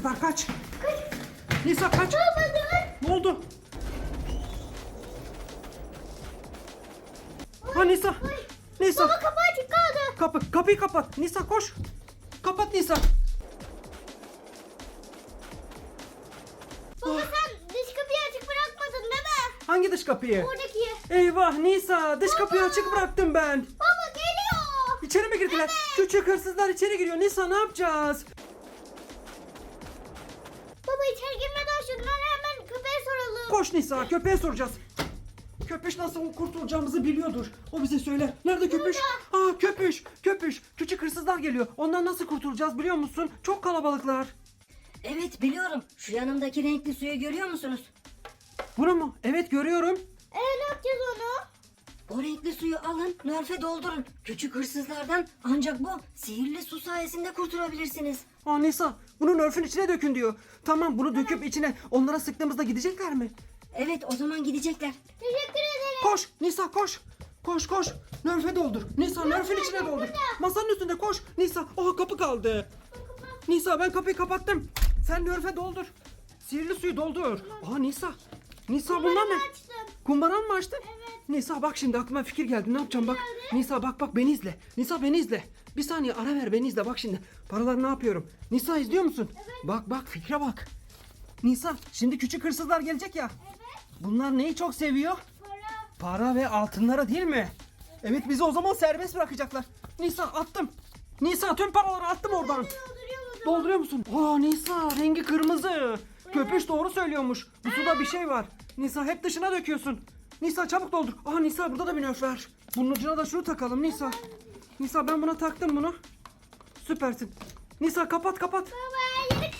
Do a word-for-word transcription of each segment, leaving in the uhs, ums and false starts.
hırsızlar kaç. Nisa kaç. Ne oldu? Ha Nisa. Nisa. Baba kapı açık kaldı. Kapı, kapıyı kapat. Nisa koş. Kapat Nisa. Baba sen dış kapıyı açık bırakmadın değil mi? Hangi dış kapıyı? Oradaki. Eyvah Nisa, dış kapıyı açık bıraktım ben. Baba geliyor. İçeri mi girdiler? Küçük hırsızlar içeri giriyor. Nisa ne yapacağız? Baba içeri girmeden şunları hemen köpeğe soralım. Koş Nisa, köpeğe soracağız. Köpüş nasıl kurtulacağımızı biliyordur. O bize söyler. Nerede köpüş? Aa köpüş, köpüş. Küçük hırsızlar geliyor. Ondan nasıl kurtulacağız biliyor musun? Çok kalabalıklar. Evet biliyorum. Şu yanımdaki renkli suyu görüyor musunuz? Bunu mu? Evet görüyorum. Ee ne yapacağız onu? O renkli suyu alın, nörfe doldurun. Küçük hırsızlardan ancak bu sihirli su sayesinde kurtulabilirsiniz. Aa Nisa, bunu Nerf'ün içine dökün diyor. Tamam, bunu döküp içine onlara sıktığımızda gidecekler mi? Evet o zaman gidecekler. Teşekkür ederim. Koş Nisa koş. Koş koş. Nerf'e doldur. Nisa Nerf'in içine doldur. Masanın üstünde koş. Nisa. Oha kapı kaldı. Nisa ben kapıyı kapattım. Sen Nerf'e doldur. Sihirli suyu doldur. Aa Nisa. Nisa bunlar ne? Açtım. Kumbaran mı açtın? Evet. Nisa bak şimdi aklıma fikir geldi. Ne yapacağım bak. Nisa bak bak beni izle. Nisa beni izle. Bir saniye ara ver beni izle bak şimdi. Paraları ne yapıyorum? Nisa izliyor musun? Bak bak fikre bak. Nisa şimdi küçük hırsızlar gelecek ya. Evet. Bunlar neyi çok seviyor? Para. Para ve altınlara değil mi? Evet bizi o zaman serbest bırakacaklar. Nisa attım. Nisa tüm paraları attım oradan. Dolduruyor musun? Dolduruyor musun? Aa Nisa rengi kırmızı. Köpüş doğru söylüyormuş. Bu suda bir şey var. Nisa hep dışına döküyorsun. Nisa çabuk doldur. Aa Nisa burada da bir nöf var. Bunun ucuna da şunu takalım Nisa. Nisa ben buna taktım bunu. Süpersin. Nisa kapat kapat. Baba yürü.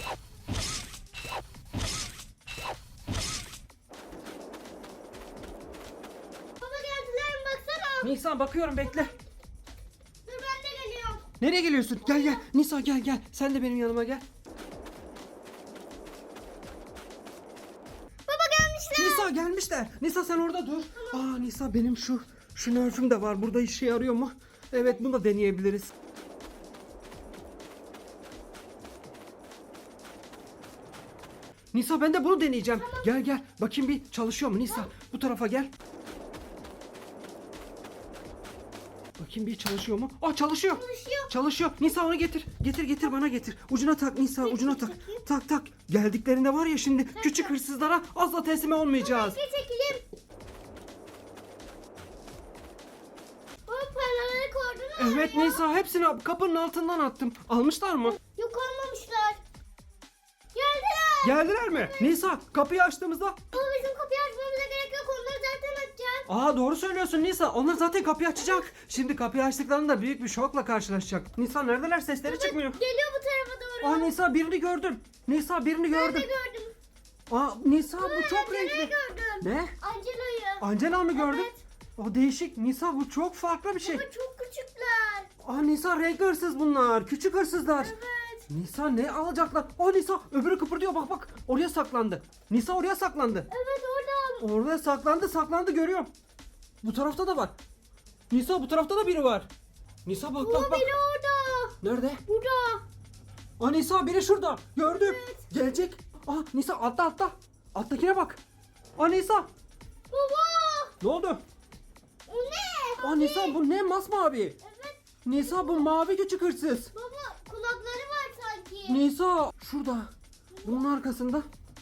Baba geldiler mi baksana. Nisa bakıyorum bekle. Dur ben de geliyorum. Nereye geliyorsun? Gel gel. Nisa gel gel. Sen de benim yanıma gel. Baba gelmişler. Nisa gelmişler. Nisa sen orada dur. Aa Nisa benim şu şu nörfüm de var. Burada işe yarıyor mu? Evet bunu da deneyebiliriz. Nisa ben de bunu deneyeceğim. Gel gel. Bakayım bir çalışıyor mu Nisa? Bu tarafa gel. Bakayım bir çalışıyor mu? Aa çalışıyor. Çalışıyor. Çalışıyor. Nisa onu getir. Getir getir bana getir. Ucuna tak Nisa ucuna tak. Tak tak. Geldiklerinde var ya şimdi küçük hırsızlara asla teslim olmayacağız. Bekle çekileyim. Baba paraları koydun mu? Evet Nisa hepsini kapının altından attım. Almışlar mı? Yok olmamışlar. Geldiler. Geldiler mi? Nisa kapıyı açtığımızda. Baba bizim kapıyı açmamıza gerek yok. Onları zaten açacağız. Aa doğru söylüyorsun Nisa. Onlar zaten kapıyı açacak. Şimdi kapıyı açtıklarında büyük bir şokla karşılaşacak. Nisa neredeler? Sesleri çıkmıyor. Geliyor bu tarafa doğru. Aa Nisa birini gördüm. Nisa birini Ben de gördüm. gördüm. Aa Nisa bu çok Angela'yı renkli. gördüm. Ne? Angela'yı. Angela mı gördün? Evet. O değişik. Nisa bu çok farklı bir şey. Baba çok küçükler. Aa Nisa renkli hırsız bunlar. Küçük hırsızlar. Evet. Nisa ne alacaklar? Aa Nisa öbürü kıpırdıyor bak bak. Oraya saklandı. Nisa oraya saklandı. Evet orada. Oraya saklandı saklandı görüyorum. Bu tarafta da var. Nisa bu tarafta da biri var. Nisa bak Baba bak bak. biri orada. Nerede? Burada. Aa Nisa biri şurada. Gördüm. Gelecek. Aa Nisa atla atla. Alttakine bak. Aa Nisa. Baba. Ne oldu? O ne? Aa Nisa bu ne masmavi? Evet. Nisa bu mavi küçük hırsız. Baba kulakları var sanki. Nisa şurada. Bunun arkasında.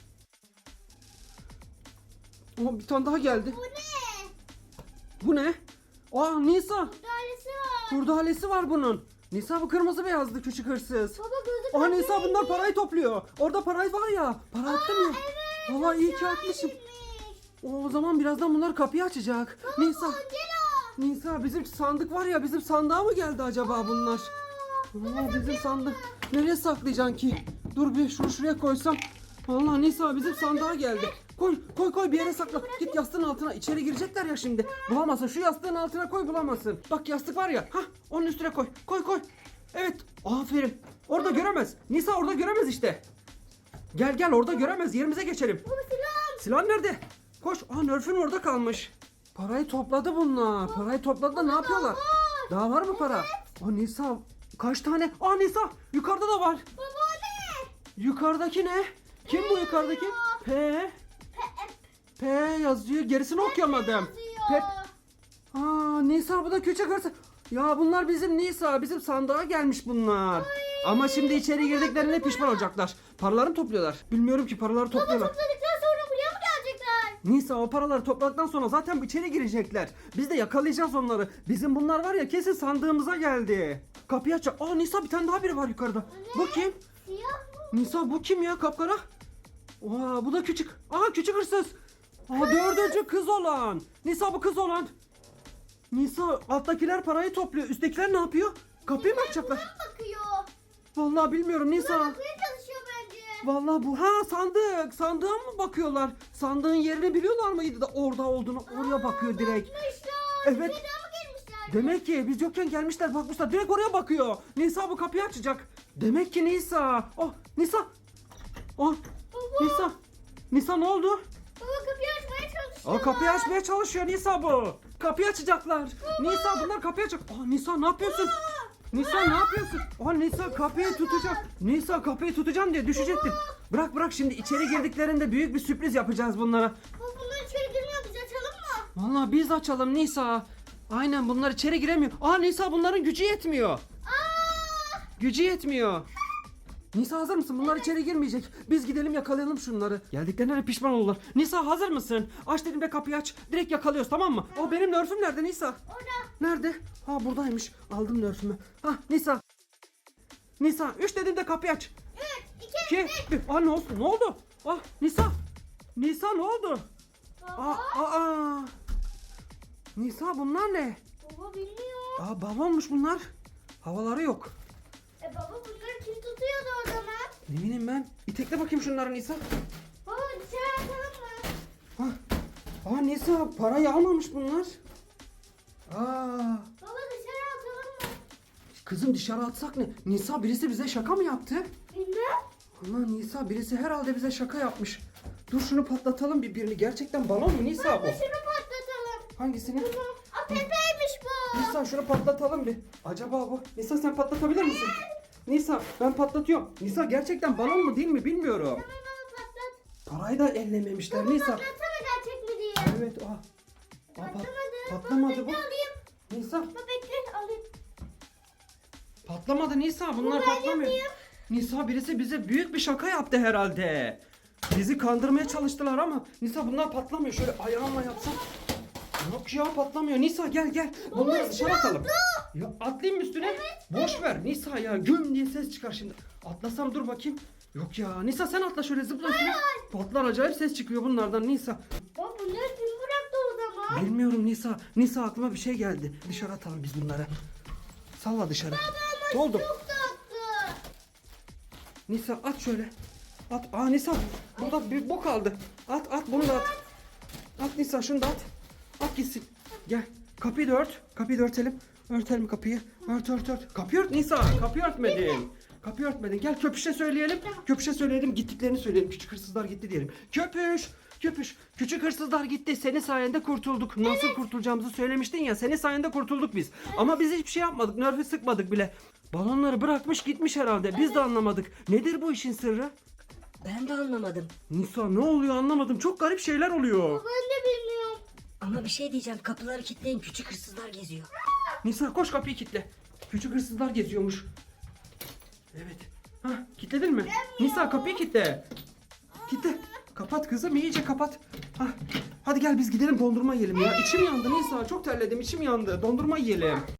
Aa bir tane daha geldi. Bu ne? Bu ne? Aa Nisa. Dairesi var. Kurdalesi var bunun. Nisa bu kırmızı beyazlı küçük hırsız. Baba gözü Aa pembe Nisa bunlar rengi. parayı topluyor. Orada parayı var ya. Para attım ya. Evet. Valla iyi ki aşağı atmışım. inmiş. O zaman birazdan bunlar kapıyı açacak. Nisa. Angela. Nisa bizim sandık var ya bizim sandığa mı geldi acaba bunlar? Aa, bizim sandık. Nereye saklayacaksın ki? Dur bir şunu şuraya koysam. Vallahi Nisa bizim sandığa geldi. Koy koy koy bir yere sakla. Git yastığın altına. İçeri girecekler ya şimdi. Bulamazsın. Şu yastığın altına koy bulamazsın. Bak yastık var ya. Hah onun üstüne koy. Koy koy. Evet. Aferin. Orada göremez. Nisa orada göremez işte. Gel gel orada göremez. Yerimize geçelim. Baba silah. Silah nerede? Koş. Aa Nerf'ün orada kalmış. Parayı topladı bunlar. Parayı topladı da ne yapıyorlar? Daha var mı para? Aa Nisa kaç tane? Aa Nisa yukarıda da var. Baba o ne? Yukarıdaki ne? Kim bu yukarıdaki? P. P yazıyor. Gerisini okuyamadım. Pep. Aa, Nisa bu da küçük hırsız. Ya bunlar bizim Nisa. Bizim sandığa gelmiş bunlar. Ama şimdi içeri girdiklerinde pişman olacaklar. Paralarını topluyorlar. Bilmiyorum ki paraları topluyorlar. Topladıktan sonra buraya mı gelecekler? Nisa o paraları topladıktan sonra zaten içeri girecekler. Biz de yakalayacağız onları. Bizim bunlar var ya kesin sandığımıza geldi. Kapıyı aç. Aa Nisa bir tane daha biri var yukarıda. Bu kim? Siyah mı? Nisa bu kim ya kapkara? Aa bu da küçük. Aa küçük hırsız. Aa dördüncü kız olan. Nisa bu kız olan. Nisa alttakiler parayı topluyor. Üsttekiler ne yapıyor? Kapıyı mı açacaklar? Buna bakıyor. Vallahi bilmiyorum Nisa. Bakmaya çalışıyor bence. Vallahi bu ha sandık. Sandığa mı bakıyorlar? Sandığın yerini biliyorlar mıydı da orada olduğunu oraya bakıyor direkt. Bakmışlar. Evet. Bir daha mı gelmişler? Demek ki biz yokken gelmişler bakmışlar direkt oraya bakıyor. Nisa bu kapıyı açacak. Demek ki Nisa. Oh Nisa. Oh Nisa. Nisa ne oldu? Baba kapıyı açmaya çalışıyor. Aa kapıyı açmaya çalışıyor Nisa bu. Kapıyı açacaklar. Nisa bunlar kapıyı açacak. Aa Nisa ne yapıyorsun? Nisa ne yapıyorsun? Aa Nisa kapıyı tutacak. Nisa kapıyı tutacağım diye düşecektin. Bırak bırak şimdi içeri girdiklerinde büyük bir sürpriz yapacağız bunlara. Baba bunlar içeri girmiyor. Biz açalım mı? Vallahi biz açalım Nisa. Aynen bunlar içeri giremiyor. Aa Nisa bunların gücü yetmiyor. Aa! Gücü yetmiyor. Nisa hazır mısın? Bunlar içeri girmeyecek. Biz gidelim yakalayalım şunları. Geldiklerine de pişman olurlar. Nisa hazır mısın? Aç dedim de kapıyı aç. Direkt yakalıyoruz tamam mı? O benim nörfüm nerede Nisa? Orada. Nerede? Ha buradaymış. Aldım nörfümü. Ha Nisa. Nisa üç dedim de kapıyı aç. Üç, iki, İki. Bir. Aa ne oldu? Ne oldu? Ah Nisa. Nisa ne oldu? Baba. Aa, aa. Nisa bunlar ne? Baba bilmiyor. Aa balonmuş bunlar. Havaları yok. E baba bunları kim tutuyordu o zaman? Ne bileyim ben. İtekle bakayım şunları Nisa. Baba dışarı atalım mı? Ha. Aa Nisa parayı almamış bunlar. Aa. Baba dışarı atalım mı? Kızım dışarı atsak ne? Nisa birisi bize şaka mı yaptı? Bilmem. Allah Nisa birisi herhalde bize şaka yapmış. Dur şunu patlatalım bir birini. Gerçekten balon mu Nisa bu? Baba şunu patlatalım. Hangisini? Aa Pepe'ymiş bu. Nisa şunu patlatalım bir. Acaba bu? Nisa sen patlatabilir misin? Nisa ben patlatıyorum. Nisa gerçekten balon mu değil mi bilmiyorum. Tamam baba patlat. Parayı da ellememişler Baba Nisa. patlatsana gerçek mi diye. Evet aa. Aa, pat- Patlamadı. patlamadı Baba bu. bekle alayım. Nisa Baba bekle alayım. patlamadı Nisa bunlar Ben patlamıyor. yapayım. Nisa birisi bize büyük bir şaka yaptı herhalde. Bizi kandırmaya çalıştılar ama Nisa bunlar patlamıyor. Şöyle ayağımla yapsam. Yok ya patlamıyor. Nisa gel gel. Bunları dışarı atalım. Ya atlayayım mı üstüne? Boş ver Nisa ya. Güm diye ses çıkar şimdi. Atlasam dur bakayım. Yok ya Nisa sen atla şöyle zıpla üstüne. Patlar acayip ses çıkıyor bunlardan Nisa. Baba bunları kim bıraktı o zaman? Bilmiyorum Nisa. Nisa aklıma bir şey geldi. Dışarı atalım biz bunları. Salla dışarı. Ne oldu? Çok tatlı. Nisa at şöyle. At. Aa Nisa burada bir bok aldı. At at bunu da at. At Nisa şunu da at. At gitsin. Gel. Kapıyı da ört. Kapıyı da örtelim. Örtelim kapıyı. Ört ört ört. Kapıyı ört Nisa. Kapıyı örtmedin. Kapıyı örtmedin. Gel Köpüş'e söyleyelim. Köpüş'e söyleyelim. Gittiklerini söyleyelim. Küçük hırsızlar gitti diyelim. Köpüş. Köpüş. Küçük hırsızlar gitti. Senin sayende kurtulduk. Nasıl kurtulacağımızı söylemiştin ya. Senin sayende kurtulduk biz. Ama biz hiçbir şey yapmadık. Nörfü sıkmadık bile. Balonları bırakmış gitmiş herhalde. Biz de anlamadık. Nedir bu işin sırrı? Ben de anlamadım. Nisa ne oluyor anlamadım. Çok garip şeyler oluyor. Ben de bilmiyorum. Ama bir şey diyeceğim. Kapıları kilitleyin. Küçük hırsızlar geziyor. Nisa koş kapıyı kilitle. Küçük hırsızlar geziyormuş. Evet. Hah kilitledin mi? Nisa kapıyı kilitle. Kilitle. Kapat kızım iyice kapat. Hah. Hadi gel biz gidelim dondurma yiyelim ya. İçim yandı Nisa çok terledim içim yandı. Dondurma yiyelim.